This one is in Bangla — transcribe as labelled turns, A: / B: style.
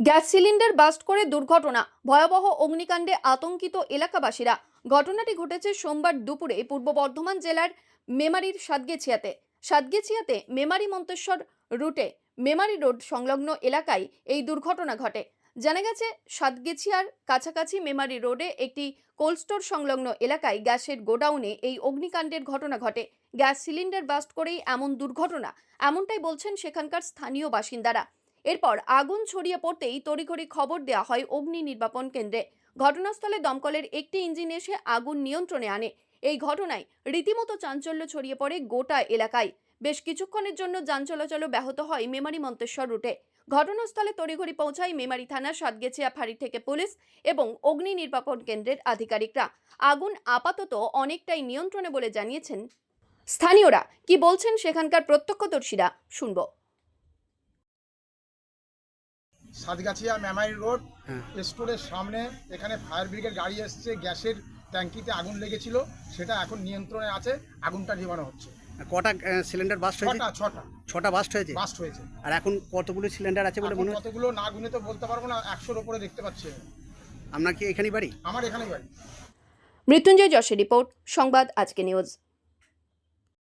A: গ্যাস সিলিন্ডার বাস্ট করে দুর্ঘটনা, ভয়াবহ অগ্নিকাণ্ডে আতঙ্কিত এলাকাবাসীরা। ঘটনাটি ঘটেছে সোমবার দুপুরে পূর্ব বর্ধমান জেলার মেমারির সাতগেছিয়াতে মেমারি মন্তেশ্বর রুটে মেমারি রোড সংলগ্ন এলাকায় এই দুর্ঘটনা ঘটে। জানা গেছে, সাতগেছিয়ার কাছাকাছি মেমারি রোডে একটি কোল্ড স্টোর সংলগ্ন এলাকায় গ্যাসের গোডাউনে এই অগ্নিকাণ্ডের ঘটনা ঘটে। গ্যাস সিলিন্ডার বাস্ট করেই এমন দুর্ঘটনা, এমনটাই বলছেন সেখানকার স্থানীয় বাসিন্দারা। এরপর আগুন ছড়িয়ে পড়তেই তড়িঘড়ি খবর দেওয়া হয় অগ্নি নির্বাপন কেন্দ্রে। ঘটনাস্থলে দমকলের একটি ইঞ্জিন এসে আগুন নিয়ন্ত্রণে আনে। এই ঘটনায় রীতিমতো চাঞ্চল্য ছড়িয়ে পড়ে গোটা এলাকায়। বেশ কিছুক্ষণের জন্য যান চলাচল ব্যাহত হয় মেমারি মন্তেশ্বর রুটে। ঘটনাস্থলে তড়িঘড়ি পৌঁছায় মেমারি থানার সাতগেছিয়া ফাঁড়ি থেকে পুলিশ এবং অগ্নি নির্বাপন কেন্দ্রের আধিকারিকরা। আগুন আপাতত অনেকটাই নিয়ন্ত্রণে বলে জানিয়েছেন স্থানীয়রা। কি বলছেন সেখানকার প্রত্যক্ষদর্শীরা, শুনবো।
B: সাতগাছিয়া মেমারি রোড স্টোরের সামনে এখানে ফায়ার ব্রিগেড গাড়ি এসছে, গ্যাসের ট্যাঙ্কিতে আগুন লেগেছিল, সেটা এখন নিয়ন্ত্রণে আছে, আগুনটা নিভানো হচ্ছে।
C: কটা সিলিন্ডার বাস্ট হয়েছে?
B: ছটা
C: বাস্ট হয়েছে।
B: হয়েছে।
C: আর এখন কতগুলো সিলিন্ডার আছে বলে মনে হচ্ছে?
B: কতগুলো না গুনে তো বলতে পারবো না, 100-র উপরে দেখতে পাচ্ছি।
C: আপনার কি এখানেই বাড়ি?
B: আমার এখানেই বাড়ি।
A: মৃত্যুঞ্জয় যশের রিপোর্ট, সংবাদ আজকে নিউজ।